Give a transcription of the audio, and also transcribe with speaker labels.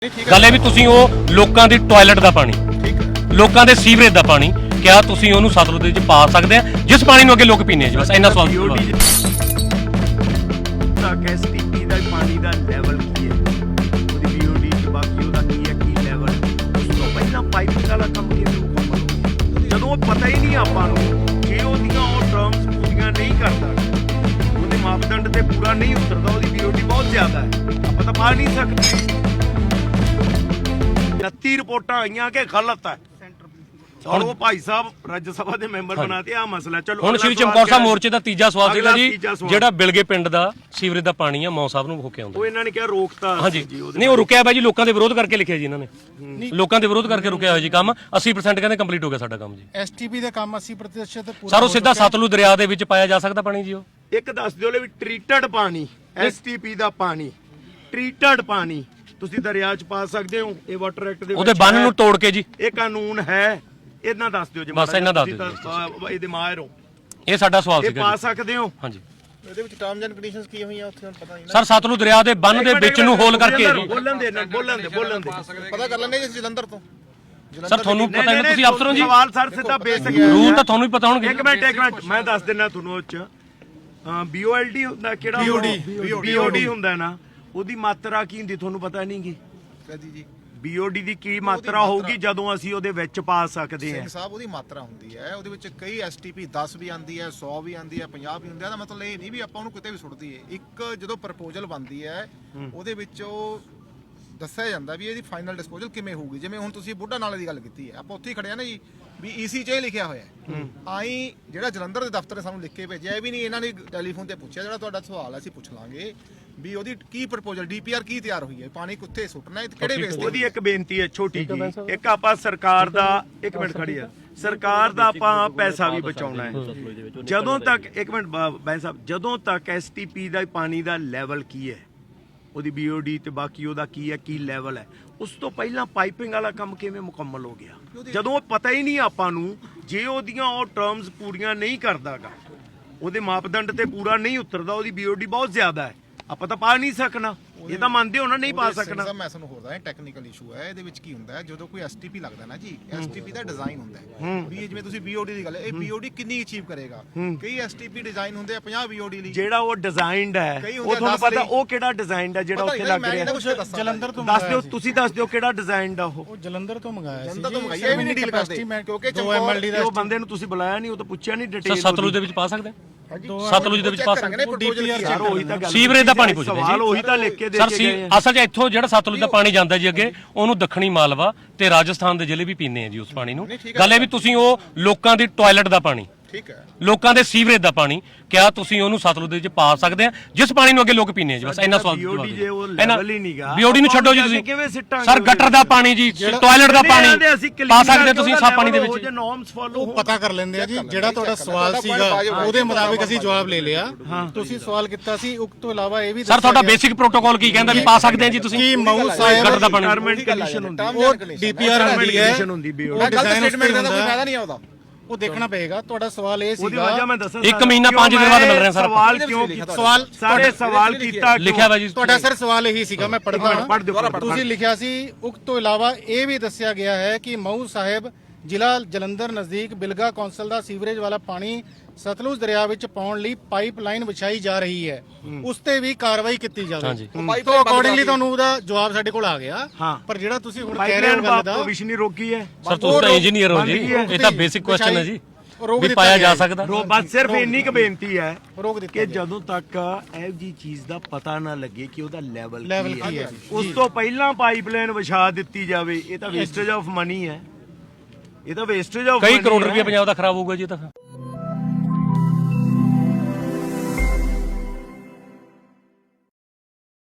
Speaker 1: ਗੱਲ ਇਹ ਵੀ ਤੁਸੀਂ ਉਹ ਲੋਕਾਂ ਦੀ ਟਾਇਲਟ ਦਾ ਪਾਣੀ, ਲੋਕਾਂ ਦੇ ਸੀਵਰੇਜ ਦਾ ਪਾਣੀ, ਕਿਆ ਤੁਸੀਂ ਉਹਨੂੰ ਸਤਲੁਜ ਦੇ ਵਿੱਚ ਪਾ ਸਕਦੇ ਆ ਜਿਸ ਪਾਣੀ ਨੂੰ ਅੱਗੇ ਲੋਕ ਪੀਂਦੇ ਆ ਜੀ? ਬਸ ਇੰਨਾ ਸਵਾਲ।
Speaker 2: ਐਸਟੀਪੀ ਦਾ ਪਾਣੀ ਦਾ ਲੈਵਲ ਕੀ ਹੈ, ਉਹਦੀ ਬੀਓਡੀ ਚ ਬਾਕੀ ਉਹਦਾ ਕੀ ਹੈ, ਕੀ ਲੈਵਲ ਉਸ ਤੋਂ ਪਹਿਲਾਂ ਪਾਈਪਿੰਗ ਵਾਲਾ ਕੰਮ ਕਿਵੇਂ ਮੁਕੰਮਲ ਹੋ, ਜਦੋਂ ਪਤਾ ਹੀ ਨਹੀਂ ਆਪਾਂ ਨੂੰ, ਜੇ ਉਹਦੀਆਂ ਉਹ ਟਰਮਸ ਪੂਰੀਆਂ ਨਹੀਂ ਕਰਦਾ, ਉਹਦੇ ਮਾਪਦੰਡ ਤੇ ਪੂਰਾ ਨਹੀਂ ਉਤਰਦਾ, ਉਹਦੀ ਬੀਓਡੀ ਬਹੁਤ ਜ਼ਿਆਦਾ ਹੈ, ਆਪਾਂ ਤਾਂ ਪਾ ਨਹੀਂ ਸਕਦੇ। 29 ਰਿਪੋਰਟਾਂ ਆਈਆਂ ਕਿ ਗਲਤ ਹੈ। ਹੁਣ ਉਹ ਭਾਈ ਸਾਹਿਬ ਰਾਜ ਸਭਾ ਦੇ ਮੈਂਬਰ ਬਣਾਤੇ ਆ ਮਸਲਾ। ਚਲੋ
Speaker 1: ਹੁਣ ਸ਼੍ਰੀ ਚਮਕੌਰ ਸਾਹਿਬ ਮੋਰਚੇ ਦਾ ਤੀਜਾ ਸਵਾਲ ਸੀਗਾ ਜੀ, ਜਿਹੜਾ ਬਿਲਗੇ ਪਿੰਡ ਦਾ ਸੀਵਰੇਜ ਦਾ ਪਾਣੀ ਆ ਮੌ ਸਾਹਿਬ ਨੂੰ ਹੋ ਕੇ ਆਉਂਦਾ,
Speaker 2: ਉਹ ਇਹਨਾਂ ਨੇ ਕਿਹਾ ਰੋਕਤਾ।
Speaker 1: ਹਾਂਜੀ ਨਹੀਂ, ਉਹ ਰੁਕਿਆ ਬਾਈ ਜੀ, ਲੋਕਾਂ ਦੇ ਵਿਰੋਧ ਕਰਕੇ ਲਿਖਿਆ ਜੀ ਇਹਨਾਂ ਨੇ, ਲੋਕਾਂ ਦੇ ਵਿਰੋਧ ਕਰਕੇ ਰੁਕਿਆ ਹੋਇਆ ਜੀ ਕੰਮ। 80% ਕਹਿੰਦੇ ਕੰਪਲੀਟ ਹੋ ਗਿਆ ਸਾਡਾ ਕੰਮ ਜੀ।
Speaker 3: ਐਸਟੀਪੀ ਦਾ ਕੰਮ 80% ਪੂਰਾ।
Speaker 1: ਸਰ ਉਹ ਸਿੱਧਾ ਸਤਲੁਜ ਦਰਿਆ ਦੇ ਵਿੱਚ ਪਾਇਆ ਜਾ ਸਕਦਾ ਪਾਣੀ ਜੀ? ਉਹ
Speaker 2: ਇੱਕ ਦੱਸ ਦਿਓ ਵੀ ਟ੍ਰੀਟਡ ਪਾਣੀ, ਐਸਟੀਪੀ ਦਾ ਪਾਣੀ, ਟ੍ਰੀਟਡ ਪਾਣੀ ਤੁਸੀਂ ਦਰਿਆ 'ਚ ਪਾ ਸਕਦੇ ਹੋ? ਇਹ ਵਾਟਰ ਐਕਟ ਦੇ
Speaker 1: ਉਹਦੇ ਬੰਨ ਨੂੰ ਤੋੜ ਕੇ ਜੀ,
Speaker 2: ਇਹ ਕਾਨੂੰਨ ਹੈ? ਇਹਨਾਂ ਦੱਸ ਦਿਓ ਜੀ,
Speaker 1: ਬਸ ਇਹਨਾਂ ਦੱਸ ਦਿਓ,
Speaker 2: ਇਹਦੇ ਮਾਹਿਰ ਹੋ,
Speaker 1: ਇਹ ਸਾਡਾ ਸਵਾਲ
Speaker 2: ਇਹ
Speaker 1: ਸੀਗਾ
Speaker 2: ਪਾ ਸਕਦੇ ਹੋ?
Speaker 1: ਹਾਂਜੀ।
Speaker 3: ਇਹਦੇ ਵਿੱਚ ਟਰਮਸ ਐਂਡ ਕੰਡੀਸ਼ਨਸ ਕੀ ਹੋਈਆਂ ਉੱਥੇ ਹੁਣ ਪਤਾ ਨਹੀਂ
Speaker 1: ਸਰ ਸਤਲੁਜ ਦਰਿਆ ਦੇ ਬੰਨ ਦੇ ਵਿੱਚ ਨੂੰ ਹੋਲ ਕਰਕੇ ਜੀ।
Speaker 2: ਬੋਲਣ ਦੇ
Speaker 3: ਪਤਾ ਕਰ ਲੈਣੇ ਜੀ ਜਲੰਧਰ ਤੋਂ।
Speaker 1: ਸਰ ਤੁਹਾਨੂੰ ਪਤਾ ਹੈ, ਤੁਸੀਂ ਅਫਸਰ ਹੋ ਜੀ।
Speaker 2: ਸਵਾਲ ਸਰ ਸਿੱਧਾ ਬੇਸਿਕ
Speaker 1: ਰੂਲ ਤਾਂ ਤੁਹਾਨੂੰ ਹੀ ਪਤਾ ਹੋਣਗੇ।
Speaker 2: ਇੱਕ ਮਿੰਟ ਮੈਂ ਦੱਸ ਦਿੰਦਾ ਤੁਹਾਨੂੰ। ਉਹ 'ਚ ਬੀਓਐਲਡੀ ਹੁੰਦਾ, ਕਿਹੜਾ ਬੀਓਡੀ ਹੁੰਦਾ ਨਾ, ਉਹਦੀ ਮਾਤਰਾ ਕੀ ਹੁੰਦੀ ਤੁਹਾਨੂੰ ਪਤਾ ਨਹੀਂ ਗੀ?
Speaker 3: ਜੀ
Speaker 2: ਬੀਓਡੀ ਦੀ ਕੀ ਮਾਤਰਾ ਹੋਊਗੀ ਜਦੋਂ ਅਸੀਂ ਉਹਦੇ ਵਿੱਚ ਪਾ ਸਕਦੇ ਹਾਂ?
Speaker 3: ਸਿੰਘ ਸਾਹਿਬ ਉਹਦੀ ਮਾਤਰਾ ਹੁੰਦੀ ਹੈ, ਉਹਦੇ ਵਿੱਚ ਕਈ ਐਸਟੀਪੀ 10 ਵੀ ਆਂਦੀ ਹੈ, 100 ਵੀ ਆਂਦੀ ਹੈ, 50 ਵੀ ਹੁੰਦੀ ਹੈ। ਦਾ ਮਤਲਬ ਇਹ ਨਹੀਂ ਵੀ ਆਪਾਂ ਉਹਨੂੰ ਕਿਤੇ ਵੀ ਸੁੱਟ ਦਈਏ। ਇੱਕ ਜਦੋਂ ਪ੍ਰਪੋਜ਼ਲ ਬਣਦੀ ਹੈ ਉਹਦੇ ਵਿੱਚ ਉਹ ਦੱਸਿਆ ਜਾਂਦਾ ਵੀ ਇਹਦੀ ਫਾਈਨਲ ਡਿਸਪੋਜ਼ਲ ਕਿਵੇਂ ਹੋਊਗੀ। ਜਿਵੇਂ ਹੁਣ ਤੁਸੀਂ ਬੁੱਢਾ ਨਾਲੇ ਦੀ ਗੱਲ ਕੀਤੀ ਹੈ, ਆਪਾਂ ਉੱਥੇ ਹੀ ਖੜੇ ਆ ਨਾ ਜੀ, ਵੀ ਈਸੀ 'ਚ ਇਹ ਲਿਖਿਆ ਹੋਇਆ ਹੈ। ਆਈ ਜਿਹੜਾ ਜਲੰਧਰ ਦੇ ਦਫ਼ਤਰ ਨੇ ਸਾਨੂੰ ਲਿਖ ਕੇ ਭੇਜਿਆ, ਇਹ ਵੀ ਨਹੀਂ ਇਹਨਾਂ ਨੇ ਟੈਲੀਫੋਨ ਤੇ ਪੁੱਛਿਆ। ਜਿਹੜਾ ਤੁਹਾਡਾ ਸਵਾਲ ਹੈ ਅਸੀਂ ਪੁੱਛ ਲਾਂਗੇ ਵੀ ਉਹਦੀ ਕੀ ਪ੍ਰਪੋਜ਼ਲ, ਡੀਪੀਆਰ ਕੀ ਤਿਆਰ ਹੋਈ ਹੈ, ਪਾਣੀ ਕਿੱਥੇ ਸੁੱਟਣਾ ਹੈ, ਕਿਹੜੇ ਬੇਸ ਤੇ।
Speaker 2: ਉਹਦੀ ਇੱਕ ਬੇਨਤੀ ਹੈ ਛੋਟੀ ਜੀ, ਇੱਕ ਆਪਾਂ ਸਰਕਾਰ ਦਾ, ਇੱਕ ਮਿੰਟ ਖੜੀ ਆ, ਸਰਕਾਰ ਦਾ ਆਪਾਂ ਪੈਸਾ ਵੀ ਬਚਾਉਣਾ ਹੈ। ਜਦੋਂ ਤੱਕ, ਇੱਕ ਮਿੰਟ ਬਾਈ ਸਾਹਿਬ, ਜਦੋਂ ਤੱਕ ਐਸਟੀਪੀ ਦਾ ਪਾਣੀ ਦਾ ਲੈਵਲ ਕੀ ਹੈ, ਉਹਦੀ ਬੀਓਡੀ ਤੇ ਬਾਕੀ ਉਹਦਾ ਕੀ ਹੈ, ਕੀ ਲੈਵਲ ਹੈ, ਉਸ ਤੋਂ ਪਹਿਲਾਂ ਪਾਈਪਿੰਗ ਵਾਲਾ ਕੰਮ ਕਿਵੇਂ ਮੁਕੰਮਲ ਹੋ ਗਿਆ, ਜਦੋਂ ਉਹ ਪਤਾ ਹੀ ਨਹੀਂ ਆਪਾਂ ਨੂੰ, ਜੇ ਉਹਦੀਆਂ ਉਹ ਟਰਮਸ ਪੂਰੀਆਂ ਨਹੀਂ ਕਰਦਾਗਾ, ਉਹਦੇ ਮਾਪਦੰਡ ਤੇ ਪੂਰਾ ਨਹੀਂ ਉਤਰਦਾ, ਉਹਦੀ ਬੀਓਡੀ ਬਹੁਤ ਜ਼ਿਆਦਾ ਹੈ, ਆਪਾਂ ਤਾਂ ਪਾ ਨਹੀਂ ਸਕਣਾ। ਇਹ ਤਾਂ ਮੰਨਦੇ ਹੋ ਨਾ, ਨਹੀਂ ਪਾ ਸਕਣਾ।
Speaker 3: ਮੈਂ ਤੁਹਾਨੂੰ ਹੋਰ ਦੱਸਾਂ, ਟੈਕਨੀਕਲ ਇਸ਼ੂ ਹੈ ਇਹਦੇ ਵਿੱਚ। ਕੀ ਹੁੰਦਾ ਹੈ ਜਦੋਂ ਕੋਈ ਐਸਟੀਪੀ ਲੱਗਦਾ ਨਾ ਜੀ, ਐਸਟੀਪੀ ਦਾ ਡਿਜ਼ਾਈਨ ਹੁੰਦਾ ਹੈ ਵੀ ਜਿਵੇਂ ਤੁਸੀਂ ਬੀਓਡੀ ਦੀ ਗੱਲ ਹੈ, ਇਹ ਬੀਓਡੀ ਕਿੰਨੀ ਅਚੀਵ ਕਰੇਗਾ। ਕਈ ਐਸਟੀਪੀ ਡਿਜ਼ਾਈਨ ਹੁੰਦੇ ਆ 50 ਬੀਓਡੀ ਲਈ,
Speaker 2: ਜਿਹੜਾ ਉਹ ਡਿਜ਼ਾਈਨਡ ਹੈ, ਉਹ ਤੁਹਾਨੂੰ ਪਤਾ ਉਹ ਕਿਹੜਾ ਡਿਜ਼ਾਈਨਡ ਹੈ ਜਿਹੜਾ ਉੱਥੇ ਲੱਗ ਰਿਹਾ?
Speaker 3: ਜਲੰਧਰ ਤੋਂ
Speaker 2: ਦੱਸ ਦਿਓ, ਤੁਸੀਂ ਦੱਸ ਦਿਓ ਕਿਹੜਾ ਡਿਜ਼ਾਈਨਡ ਆ ਉਹ?
Speaker 3: ਜਲੰਧਰ ਤੋਂ ਮੰਗਾਇਆ ਸੀ। ਜਲੰਧਰ ਤੋਂ ਮੰਗਾਇਆ, ਇਹ ਵੀ ਨਹੀਂ ਡੀਲ ਕਰਦੇ ਕਿਉਂਕਿ
Speaker 2: 2 MLD ਦਾ ਉਹ ਬੰਦੇ ਨੂੰ ਤੁਸੀਂ ਬੁਲਾਇਆ ਨਹੀਂ, ਉਹ ਤਾਂ ਪੁੱਛਿਆ ਨਹੀਂ ਡਿਟੇਲ।
Speaker 1: ਸਤਲੁਜ ਦੇ ਵਿੱਚ ਪਾ ਸਕਦੇ? ਸਤਲੁਜ ਦੇ ਵਿੱਚ ਪਾ ਸਕਦੇ?
Speaker 2: ਉਹੀ ਤਾਂ ਗੱਲ,
Speaker 1: ਸੀਵਰੇਜ ਦਾ ਪਾਣੀ ਪੁੱਛਦੇ
Speaker 2: ਸਵਾਲ ਉਹੀ ਤਾਂ ਲਿਖ ਕੇ ਦੇ ਕੇ ਗਏ।
Speaker 1: ਅਸਲ 'ਚ ਇੱਥੋਂ ਜਿਹੜਾ ਸਤਲੁਜ ਦਾ ਪਾਣੀ ਜਾਂਦਾ ਜੀ ਅੱਗੇ, ਉਹਨੂੰ ਦੱਖਣੀ ਮਾਲਵਾ ਤੇ ਰਾਜਸਥਾਨ ਦੇ ਜ਼ਿਲ੍ਹੇ ਵੀ ਪੀਂਦੇ ਆ ਜੀ ਉਸ ਪਾਣੀ ਨੂੰ। ਗੱਲ ਇਹ ਵੀ ਤੁਸੀਂ ਉਹ ਲੋਕਾਂ ਦੀ ਟਾਇਲਟ ਦਾ ਪਾਣੀ,
Speaker 3: ਠੀਕ ਹੈ,
Speaker 1: ਲੋਕਾਂ ਦੇ ਸੀਵਰੇਜ ਦਾ ਪਾਣੀ, ਕਿਆ ਤੁਸੀਂ ਉਹਨੂੰ ਸਤਲੁਜ ਦੇ ਵਿੱਚ ਪਾ ਸਕਦੇ ਆ ਜਿਸ ਪਾਣੀ ਨੂੰ ਅੱਗੇ ਲੋਕ ਪੀਂਦੇ ਆ ਜੀ? ਬਸ ਇੰਨਾ ਸਵਾਲ। ਬੀਓਡੀ ਨੂੰ ਛੱਡੋ ਜੀ, ਤੁਸੀਂ ਸਰ ਗਟਰ ਦਾ ਪਾਣੀ ਜੀ, ਟਾਇਲਟ ਦਾ ਪਾਣੀ ਪਾ ਸਕਦੇ ਤੁਸੀਂ ਸਾ ਪਾਣੀ ਦੇ ਵਿੱਚ?
Speaker 3: ਉਹ ਪਤਾ ਕਰ ਲੈਂਦੇ ਆ ਜੀ। ਜਿਹੜਾ ਤੁਹਾਡਾ ਸਵਾਲ ਸੀਗਾ ਉਹਦੇ ਮੁਤਾਬਿਕ ਅਸੀਂ ਜਵਾਬ ਲੈ ਲਿਆ। ਤੁਸੀਂ ਸਵਾਲ ਕੀਤਾ ਸੀ, ਉਸ ਤੋਂ ਇਲਾਵਾ ਇਹ ਵੀ
Speaker 1: ਸਰ ਤੁਹਾਡਾ ਬੇਸਿਕ ਪ੍ਰੋਟੋਕਾਲ ਕੀ ਕਹਿੰਦਾ ਵੀ ਪਾ ਸਕਦੇ ਆ ਜੀ ਤੁਸੀਂ?
Speaker 3: ਕੀ ਮਊ ਸਾਹਿਬ
Speaker 1: ਗਟਰ ਦਾ ਪਾਣੀ
Speaker 2: ਗਵਰਨਮੈਂਟ ਕੰਡੀਸ਼ਨ ਹੁੰਦੀ,
Speaker 3: ਉਹ ਡੀਪੀਆਰ ਹੁੰਦੀ ਹੈ,
Speaker 2: ਉਹ
Speaker 3: ਗਲਤ ਸਟੇਟਮੈਂਟ ਦਾ ਕੋਈ ਫਾਇਦਾ ਨਹੀਂ ਆਉਂਦਾ, ਉਹ ਦੇਖਣਾ ਪਏਗਾ। ਤੁਹਾਡਾ ਸਵਾਲ ਇਹ ਸੀਗਾ,
Speaker 1: ਇੱਕ ਮਹੀਨਾ 5 ਦਿਨ ਬਾਅਦ ਮਿਲ ਰਹੇ ਸਰ।
Speaker 2: ਸਵਾਲ ਕਿਉਂ ਕੀਤਾ? ਸਾਰੇ ਸਵਾਲ ਕੀਤਾ
Speaker 1: ਲਿਖਿਆ ਵਾ ਜੀ
Speaker 3: ਤੁਹਾਡਾ ਸਰ ਸਵਾਲ ਇਹੀ ਸੀਗਾ, ਮੈਂ ਪੜ੍ਹਦਾ। ਤੁਸੀਂ ਲਿਖਿਆ ਸੀ, ਉਸ ਤੋਂ ਇਲਾਵਾ ਇਹ ਵੀ ਦੱਸਿਆ ਗਿਆ ਹੈ ਕਿ ਮਊ ਸਾਹਿਬ ਜ਼ਿਲ੍ਹਾ ਜਲੰਧਰ ਨਜ਼ਦੀਕ ਬਿਲਗਾ ਕੌਂਸਲ ਦਾ ਸੀਵਰੇਜ ਵਾਲਾ ਪਾਣੀ ਸਤਲੁਜ ਦਰਿਆ ਵਿੱਚ ਪਾਉਣ ਲਈ ਪਾਈਪਲਾਈਨ ਵਿਛਾਈ ਜਾ ਰਹੀ ਹੈ, ਉਸ ਤੇ ਵੀ ਕਾਰਵਾਈ ਕੀਤੀ ਜਾਵੇ। ਤੋਂ ਅਕੋਰਡਿੰਗਲੀ ਤੁਹਾਨੂੰ ਉਹਦਾ ਜਵਾਬ ਸਾਡੇ ਕੋਲ ਆ ਗਿਆ। ਪਰ ਜਿਹੜਾ ਤੁਸੀਂ ਹੁਣ ਕਹਿ ਰਹੇ ਹੋ ਗੱਲ ਦਾ
Speaker 2: ਭਵਿਸ਼ ਨਹੀਂ ਰੋਕੀ ਹੈ
Speaker 1: ਸਰ, ਤੁਸੀਂ ਤਾਂ ਇੰਜੀਨੀਅਰ ਹੋ ਜੀ, ਇਹ ਤਾਂ ਬੇਸਿਕ ਕੁਐਸਚਨ ਹੈ ਜੀ, ਵੀ ਪਾਇਆ ਜਾ ਸਕਦਾ।
Speaker 2: ਬਸ ਸਿਰਫ ਇੰਨੀ ਕੁ ਬੇਨਤੀ ਹੈ
Speaker 3: ਰੋਕ
Speaker 2: ਕਿ ਜਦੋਂ ਤੱਕ ਇਹ ਜੀ ਚੀਜ਼ ਦਾ ਪਤਾ ਨਾ ਲੱਗੇ ਕਿ ਉਹਦਾ ਲੈਵਲ
Speaker 3: ਕੀ ਹੈ,
Speaker 2: ਉਸ ਤੋਂ ਪਹਿਲਾਂ ਪਾਈਪਲਾਈਨ ਵਿਛਾ ਦਿੱਤੀ ਜਾਵੇ, ਇਹ ਤਾਂ ਵੇਸਟੇਜ ਆਫ ਮਨੀ ਹੈ, ਇਹ ਤਾਂ ਵੇਸਟੇਜ ਆਫ
Speaker 1: ਕਈ ਕਰੋੜ ਰੁਪਏ ਪੰਜਾਬ ਦਾ ਖਰਾਬ ਹੋਊਗਾ ਜੀ ਇਹ ਤਾਂ।